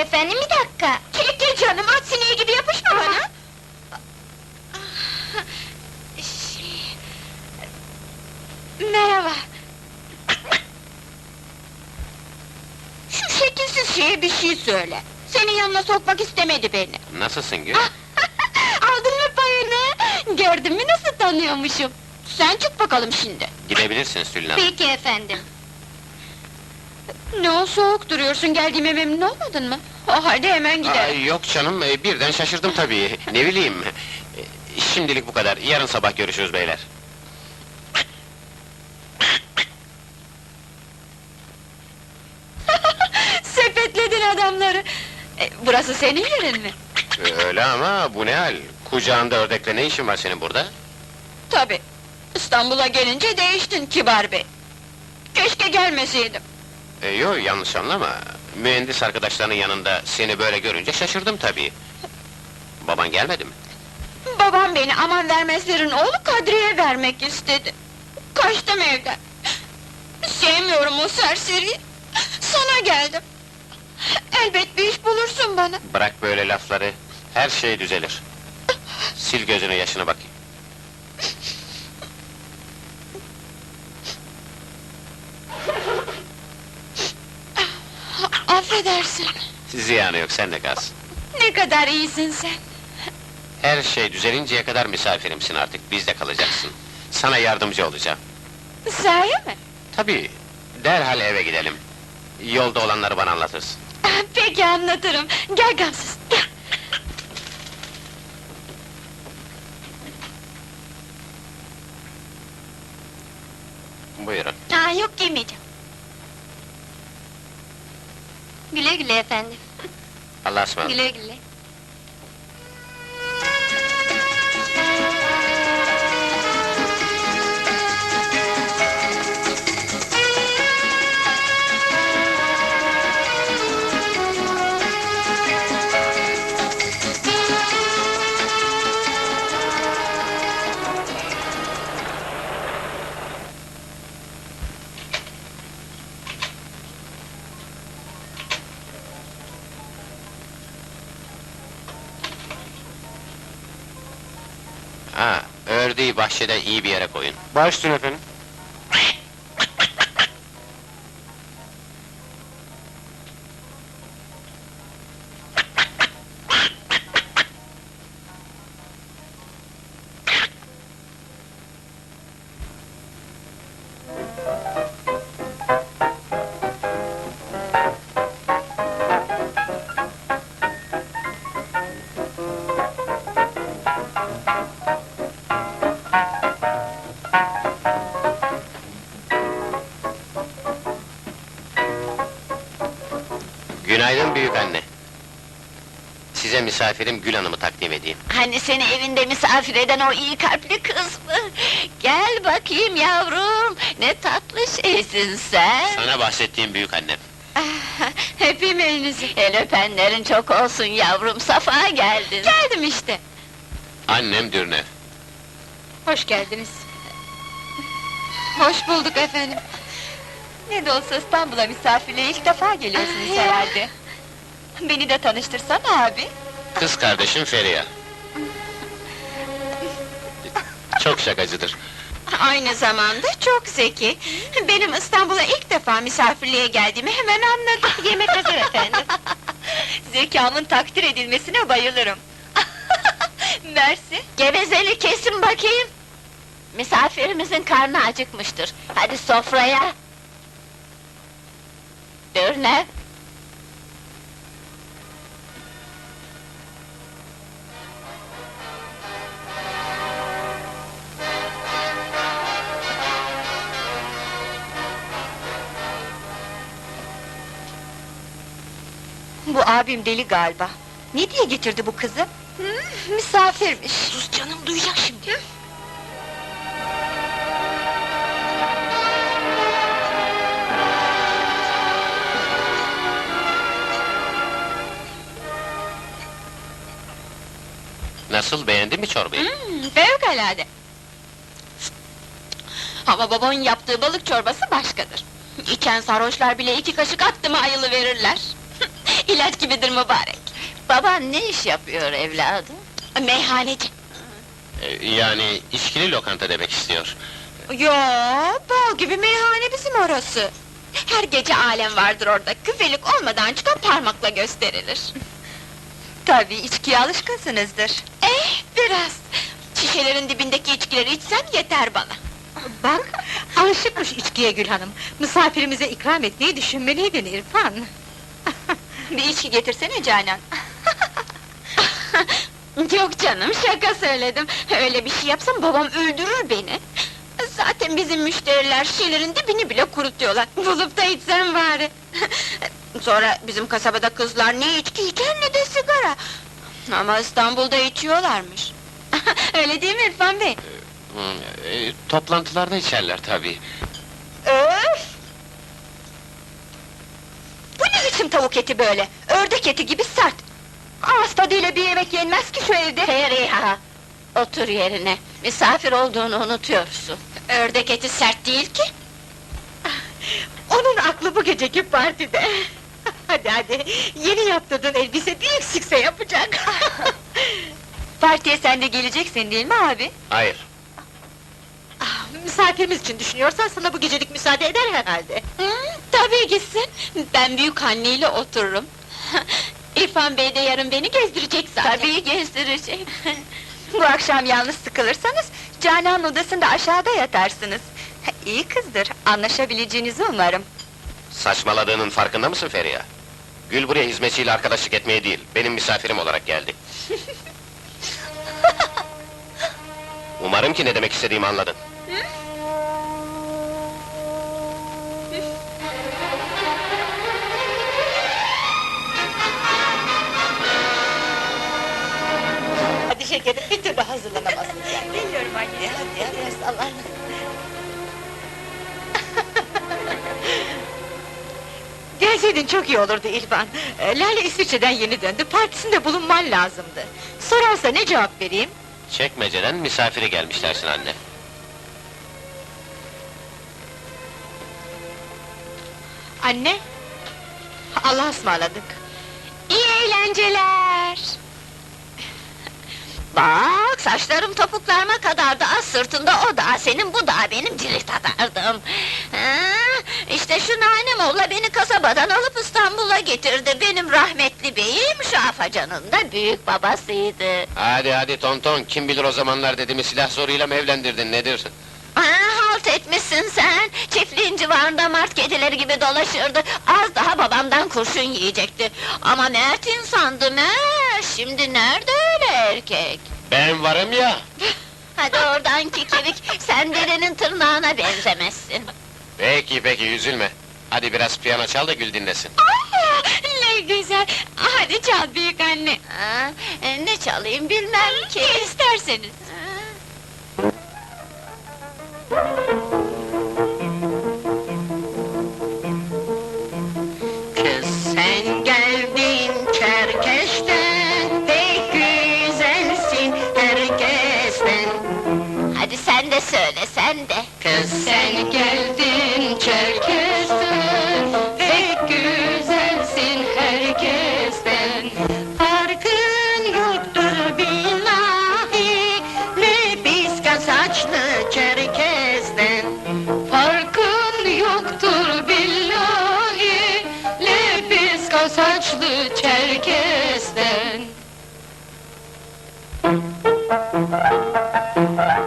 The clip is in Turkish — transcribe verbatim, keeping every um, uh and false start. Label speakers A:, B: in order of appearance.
A: efendim, bir dakika!
B: Çekil canım, at sineği gibi yapışma bana! Şey... Merhaba! Şu şekilsiz şeye bir şey söyle! Senin yanına sokmak istemedi beni!
C: Nasılsın Gül?
B: Aldın mı payını? Gördün mü nasıl tanıyormuşum? Sen çık bakalım şimdi!
C: Gidebilirsin Sülün Hanım.
A: Peki efendim!
B: Ne o, soğuk duruyorsun, geldiğime memnun olmadın mı? O halde hemen gidelim!
C: Ay, yok canım, e, birden şaşırdım tabii, ne bileyim! E, Şimdilik bu kadar, yarın sabah görüşürüz beyler.
B: Sepetledin adamları! E, burası senin yerin mi?
C: Öyle ama bu ne hal? Kucağında ördekle ne işin var senin burada?
B: Tabii! İstanbul'a gelince değiştin kibar bey! Keşke gelmeseydim!
C: E, yo, yanlış anlama. Mühendis arkadaşlarının yanında seni böyle görünce şaşırdım tabii. Baban gelmedi mi?
B: Babam beni aman vermezlerin oğlu Kadri'ye vermek istedi! Kaçtım evden! Sevmiyorum o serseriyi! Sana geldim! Elbet bir iş bulursun bana!
C: Bırak böyle lafları, her şey düzelir. Sil gözünü yaşına bakayım.
B: Affedersin!
C: Ziyanı yok, sen de kalsın.
B: Ne kadar iyisin sen!
C: Her şey düzelinceye kadar misafirimsin artık, bizde kalacaksın. Sana yardımcı olacağım.
B: Sahi mi?
C: Tabii, derhal eve gidelim. Yolda olanları bana anlatırsın.
B: Peki anlatırım, gel gamsız, gel!
C: Buyurun.
B: Aa, yok giymeyeceğim!
A: Güle güle efendim!
C: Allah'a ısmarladık.
A: Güle güle!
C: Ha, ördeği bahçede iyi bir yere koyun.
D: Baş üstüne efendim.
C: Günaydın büyük anne. Size misafirim Gül Hanım'ı takdim edeyim.
B: Hani seni evinde misafir eden o iyi kalpli kız mı? Gel bakayım yavrum, ne tatlı şeysin sen!
C: Sana bahsettiğim büyük annem.
B: Öpeyim elinizi! El öpenlerin çok olsun yavrum, safa geldin! Geldim işte!
C: Annem Dürnev.
A: Hoş geldiniz!
B: Hoş bulduk efendim!
A: Ne de olsa İstanbul'a misafirliğe ilk defa geliyorsunuz
B: Ah,
A: herhalde! Beni de tanıştırsana abi!
C: Kız kardeşim Feriha. Çok şakacıdır.
B: Aynı zamanda çok zeki! Benim İstanbul'a ilk defa misafirliğe geldiğimi hemen anladı!
A: Yemek hazır efendim! Zekamın takdir edilmesine bayılırım! Mersi!
B: Gevezeli kesin bakayım! Misafirimizin karnı acıkmıştır, hadi sofraya! Dürnev!
A: Bu abim deli galiba! Ne diye getirdi bu kızı?
B: Hmm, misafirmiş!
A: Sus canım, duyacak şimdi!
C: Nasıl, beğendin mi çorbayı?
B: Hmm, fevkalade! Ama babanın yaptığı balık çorbası başkadır. İçen sarhoşlar bile iki kaşık attı mı ayılı verirler. ilaç gibidir mübarek.
A: Baban ne iş yapıyor evladım?
B: Meyhaneci.
C: Ee, yani içkili lokanta demek istiyor.
B: Yo, bal gibi meyhane bizim orası. Her gece alem vardır orada, küfelik olmadan çıkan parmakla gösterilir.
A: Tabii içkiye alışkınsınızdır.
B: Eh, biraz! Şişelerin dibindeki içkileri içsem yeter bana.
D: Bak, alışıkmış içkiye Gül Hanım. Misafirimize ikram etmeyi düşünmeliydin İrfan.
A: Bir içki getirsene Canan.
B: Yok canım, şaka söyledim. Öyle bir şey yapsam babam öldürür beni. Zaten bizim müşteriler şişelerin dibini bile kurutuyorlar. Bulup da içsem bari. Sonra bizim kasabada kızlar ne içki içer ne de sigara. Ama İstanbul'da içiyorlarmış. Öyle değil mi İrfan Bey?
C: Hı, e, toplantılarda içerler tabii.
A: Öf! Bu ne biçim tavuk eti böyle? Ördek eti gibi sert! Ağız tadıyla bir yemek yenmez ki şu evde!
B: Feriha! Otur yerine, misafir olduğunu unutuyorsun. Ördek eti sert değil ki.
D: Onun aklı bu geceki partide. Hadi hadi, yeni yaptırdığın elbise bir eksikse yapacak.
A: Partiye sen de geleceksin değil mi abi?
C: Hayır.
D: Ah, misafirimiz için düşünüyorsan sana bu gecelik müsaade eder herhalde.
B: Hı, tabii gitsin, ben büyük anneyle otururum. İrfan Bey de yarın beni gezdirecek zaten.
A: Tabii gezdirecek. Bu akşam yalnız sıkılırsanız, Canan odasında aşağıda yatarsınız. İyi kızdır, anlaşabileceğinizi umarım.
C: Saçmaladığının farkında mısın Feriha? Gül buraya hizmetçiyle arkadaşlık etmeye değil, benim misafirim olarak geldi. Umarım ki ne demek istediğimi anladın.
D: Hadi şekerim, bir türlü hazırlanamazsın sen.
A: Biliyorum anne.
D: Hadi ya, biraz sallan. Gelseydin çok iyi olurdu İlvan. Ee, Lale İsviçre'den yeni döndü, partisinde bulunman lazımdı. Sorarsa ne cevap vereyim?
C: Çekmeceden misafiri gelmiş dersin anne.
D: Anne! Allah'a ısmarladık.
B: İyi eğlenceler!
A: Bak, saçlarım topuklarıma kadardı, az sırtında o da, senin bu da, benim cirit atardım. Ha, işte şu Nanemoğlu beni kasabadan alıp İstanbul'a getirdi, benim rahmetli beyim, şu afacanın da büyük babasıydı.
C: Hadi hadi tonton, kim bilir o zamanlar dedemi silah zoruyla mı evlendirdin, nedir?
A: Ha, halt etmişsin sen, çiftliğin civarında mart kedileri gibi dolaşırdı, az daha babamdan kurşun yiyecekti. Ama mert insandı, mert, şimdi nerede öyle erkek?
C: Ben varım ya!
A: Hadi oradan kikirik, sen derenin tırnağına benzemezsin.
C: Peki peki, üzülme. Hadi biraz piyano çal da Gül dinlesin.
B: Aa, ne güzel! Hadi çal büyük anne!
A: Ha, e, ne çalayım bilmem ki.
B: Ne isterseniz!
A: Kız sen geldin Çerkeş'ten, pek güzelsin herkesten. Hadi sen de söyle, sen de. Kız sen geldin Çerkeş'ten, pek güzelsin herkesten. Farkın yoktur billahi, lepiska saçlı Çerkez'den. Farkın yoktur billahi, lepiska saçlı Çerkez'den.